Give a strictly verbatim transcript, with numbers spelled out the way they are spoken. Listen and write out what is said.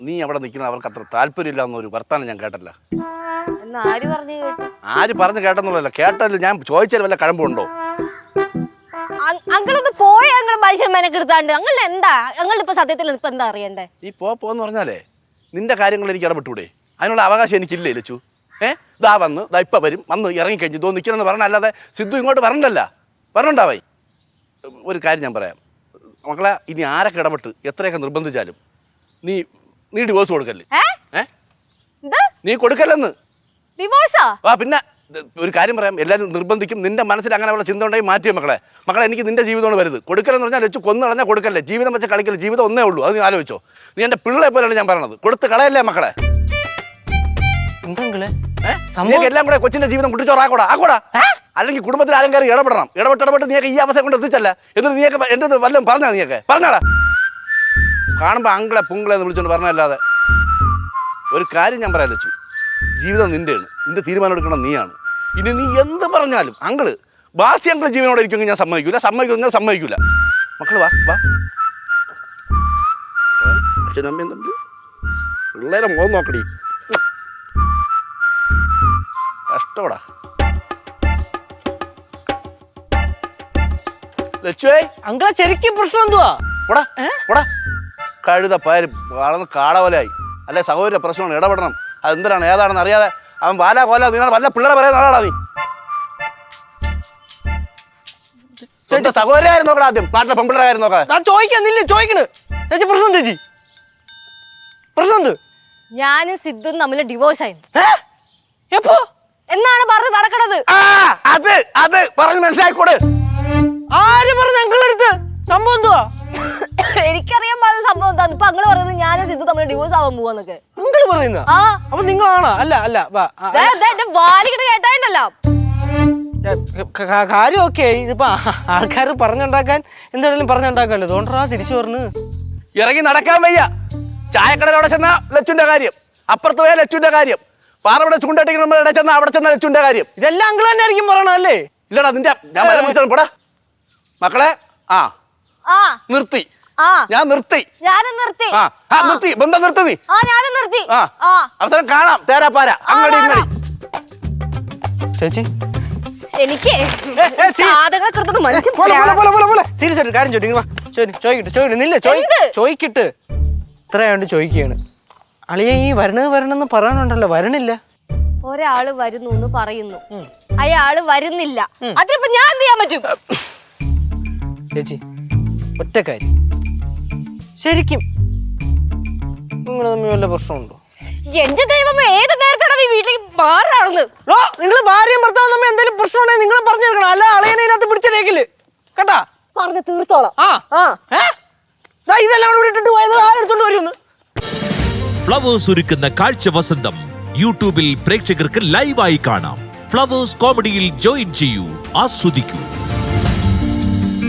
നീ അവിടെ നിൽക്കുന്ന അവർക്ക് അത്ര താല്പര്യമില്ല എന്നൊരു വർത്താനം ഞാൻ കേട്ടല്ല. ആര് പറഞ്ഞു കേട്ടു? ആര് പറഞ്ഞു കേട്ടെന്നുള്ളതല്ല, കേട്ടതിൽ ഞാൻ ചോദിച്ചാൽ വല്ല കഴമ്പുണ്ടോ? അങ്ങളൊന്ന് പോയ അങ്ങൾ മനുഷ്യന്മാരൊക്കെ എടുത്താണ്ട് അങ്ങളുടെ എന്താ അങ്ങളുടെ ഇപ്പൊ സത്യത്തിൽ ഇപ്പൊ എന്താ അറിയണ്ടേ? ഈ പോ പോന്ന് പറഞ്ഞാലേ നിന്റെ കാര്യങ്ങൾ എനിക്ക് ഇടപെട്ടൂടെ? അതിനുള്ള അവകാശം എനിക്കില്ലേ ലച്ചു? ഏഹ് ദാ വന്ന് ദാ ഇപ്പം വരും, വന്ന് ഇറങ്ങിക്കഴിഞ്ഞു ഇതോ നിൽക്കണമെന്ന് പറഞ്ഞല്ലാതെ സിദ്ധു ഇങ്ങോട്ട് പറഞ്ഞല്ല പറഞ്ഞുണ്ടാവായി. ഒരു കാര്യം ഞാൻ പറയാം മക്കളെ, ഇനി ആരൊക്കെ ഇടപെട്ട് എത്രയൊക്കെ നിർബന്ധിച്ചാലും നീ നീ ഡിവോഴ്സ് കൊടുക്കല്ലേ? ഏ നീ കൊടുക്കല്ലെന്ന്. ഡിവോഴ്സാ? ആ പിന്നെ ഒരു കാര്യം പറയാം, എല്ലാവരും നിർബന്ധിക്കും. നിന്റെ മനസ്സിൽ അങ്ങനെ ഉള്ള ചിന്ത ഉണ്ടെങ്കിൽ മാറ്റിയോ മക്കളെ. മക്കളെ എനിക്ക് നിന്റെ ജീവിതമാണ് വരുത്. കൊടുക്കലെന്ന് പറഞ്ഞാൽ വെച്ച് കൊന്നു കളഞ്ഞാൽ കൊടുക്കല്ലേ. ജീവിതം വെച്ച് കളിക്കല്ലേ, ജീവിതം ഒന്നേ ഉള്ളൂ. അത് നീ ആലോചിച്ചോ. നീ എൻ്റെ പിള്ളേ പോലെയാണ് ഞാൻ പറയണത്. കൊടുത്ത് കളയല്ലേ മക്കളെ. നീക്ക് എല്ലാം കൂടെ കൊച്ചിന്റെ ജീവിതം കുട്ടിച്ചോറാക്കൂടാ ആക്കൂടാ. അല്ലെങ്കിൽ കുടുംബത്തിൽ ആരും കയറി ഇടപെടണം. ഇടപെട്ട് ഇടപെട്ട് നീയൊക്കെ ഈ അവസ്ഥ കൊണ്ട് എത്തിച്ചല്ല. എന്നിട്ട് നീയൊക്കെ എൻ്റെ വല്ലതും പറഞ്ഞാ? നീയൊക്കെ പറഞ്ഞാടാ. കാണുമ്പോൾ അങ്കിളെ പുങ്കിളെ എന്ന് വിളിച്ചോണ്ട് പറഞ്ഞല്ലാതെ. ഒരു കാര്യം ഞാൻ പറയാൻ വെച്ചു, ജീവിതം നിന്റെയാണ്, നിന്റെ തീരുമാനം എടുക്കണം നീയാണ്. ഇനി നീ എന്ത് പറഞ്ഞാലും അങ്കിള് ബാസി അങ്കിള് ജീവനോടെ ഇരിക്കുമെങ്കിൽ ഞാൻ സമ്മതിക്കൂല. സമ്മതിക്കും ഞാൻ സമ്മതിക്കൂല. മക്കള് വാ വാ. അച്ഛനും അമ്മയും തമ്മിൽ പിള്ളേരെ മുഖം നോക്കടി. കഷ്ടോടാ ലച്ചുവേ. അങ്കിളെ ശരിക്കും പ്രശ്നം എന്തുവാ? പോടാ പോടാ. കഴുത പാര് വളർന്ന് കാളവലായി. അല്ലെ സഹോദര പ്രശ്നമാണ്, ഇടപെടണം. അതെന്തിനാണ് ഏതാണെന്ന് അറിയാതെ അവൻ വാല കോല നിങ്ങൾ വല്ല പിള്ളേരെ പറയാൻ ആളാടാ നീ. സഹോദരായിരുന്നു നോക്കണം ആദ്യം, നാട്ടിലെ പെൺപിള്ളേരായിരുന്നു നോക്കാം. ഞാൻ ചോദിക്കാന്നില്ല ചോദിക്കണ്. ചേച്ചി പ്രശ്നം ചേച്ചി പ്രശ്നം എന്ത്? ഞാനും സിദ്ധും തമ്മിൽ ഡിവോഴ്സ് ആയിരുന്നു. എപ്പോ എന്നാണ് പറഞ്ഞ് നടക്കണത്? അത് അത് പറഞ്ഞ് മനസ്സിലായിക്കോട്. ആര് പറഞ്ഞു അങ്കിളടുത്ത്? സംഭവം എന്തുവാ? എനിക്കറിയാൻ പാടില്ല സംഭവം എന്താന്ന്. ഇപ്പൊ അങ്ങള് പറയുന്നത് ഞാനും സിദ്ധു തമ്മിൽ ഡിവോഴ്സ് ആവാൻ പോവാന്നൊക്കെ. അങ്കിള് പറയുന്ന? അപ്പൊ നിങ്ങളാണോ? അല്ല അല്ല വാലിക്കിട്ട് കേട്ടായിട്ടല്ലോ കാര്യം. ഓക്കെ, ഇതിപ്പോ ആൾക്കാർ പറഞ്ഞുണ്ടാക്കാൻ എന്തായാലും പറഞ്ഞുണ്ടാക്കാല്ലോ. അതുകൊണ്ടാ തിരിച്ചു പറഞ്ഞു. ഇറങ്ങി നടക്കാൻ വയ്യ. ചായക്കടയിലവിടെ ചെന്ന ലച്ചുന്റെ കാര്യം, അപ്പുറത്ത് പോയ ലച്ചുന്റെ കാര്യം, പാറവിടെ ചൂണ്ടട്ടിക്കുന്ന ഇവിടെ ചെന്ന അവിടെ ചെന്ന ലച്ചുന്റെ കാര്യം. ഇതെല്ലാം അങ്കിൾ തന്നെ ആയിരിക്കും പറയണോ? അല്ലേ? ഇല്ലടാ നിന്റെ ഞാൻ വരെ വിളിച്ചാൽ പോടാ മക്കളെ. ആ നിർത്തി, ഞാൻ നിർത്തി. ഞാനും നിർത്തി. ആ നിർത്തി, ബന്ധം നിർത്തി നീ. ആ ഞാനും നിർത്തി. ആ അവസരം കാണാം. തേരാപ്പാര അങ്ങടി ഇങ്ങടി. ചേച്ചി എനിക്ക് സാധനങ്ങൾ സീരിയസ് ആയിട്ട് കാര്യം ചോദിക്കട്ടെ ചോദിക്കട്ടെ നില്ല ചോദിക്കട്ട് ഇത്രയാണ്ട് ചോദിക്കുകയാണ്. അളിയ ഈ വരണത് വരണമെന്ന് പറയാനുണ്ടല്ലോ, വരണില്ല. ഒരാള് വരുന്നു എന്ന് പറയുന്നു, അയാള് വരുന്നില്ല. അതിപ്പോ ഞാൻ എന്ത് ചെയ്യാൻ പറ്റും? ചേച്ചി ഒറ്റ കാര്യം, ശരിക്കും നിങ്ങൾ തമ്മിൽ വല്ല പ്രശ്നമുണ്ടോ? എന്റെ ദൈവം, ഏത് നേരത്താണ് ഈ വീട്ടിലേക്ക് മാറാണെന്ന്? നിങ്ങൾ ഭാര്യയും ഭർത്താവും തമ്മിൽ എന്തെങ്കിലും പ്രശ്നമുണ്ടെങ്കിൽ നിങ്ങൾ പറഞ്ഞു തരണം. അല്ല അളയനെ ഇതിനകത്ത് പിടിച്ചേക്കില് കേട്ടാ. പറഞ്ഞ് തീർത്തോളാം. ഇതെല്ലാം കൂടെ ഇട്ടിട്ട് പോയത് ആരെടുത്തോണ്ട് വരുമെന്ന്. ഫ്ലവേഴ്സ് ഒരുക്കുന്ന കാഴ്ച വസന്തം യൂട്യൂബിൽ പ്രേക്ഷകർക്ക് ലൈവായി കാണാം. ഫ്ലവേഴ്സ് കോമഡിയിൽ ജോയിൻ ചെയ്യൂ, ആസ്വദിക്കൂ.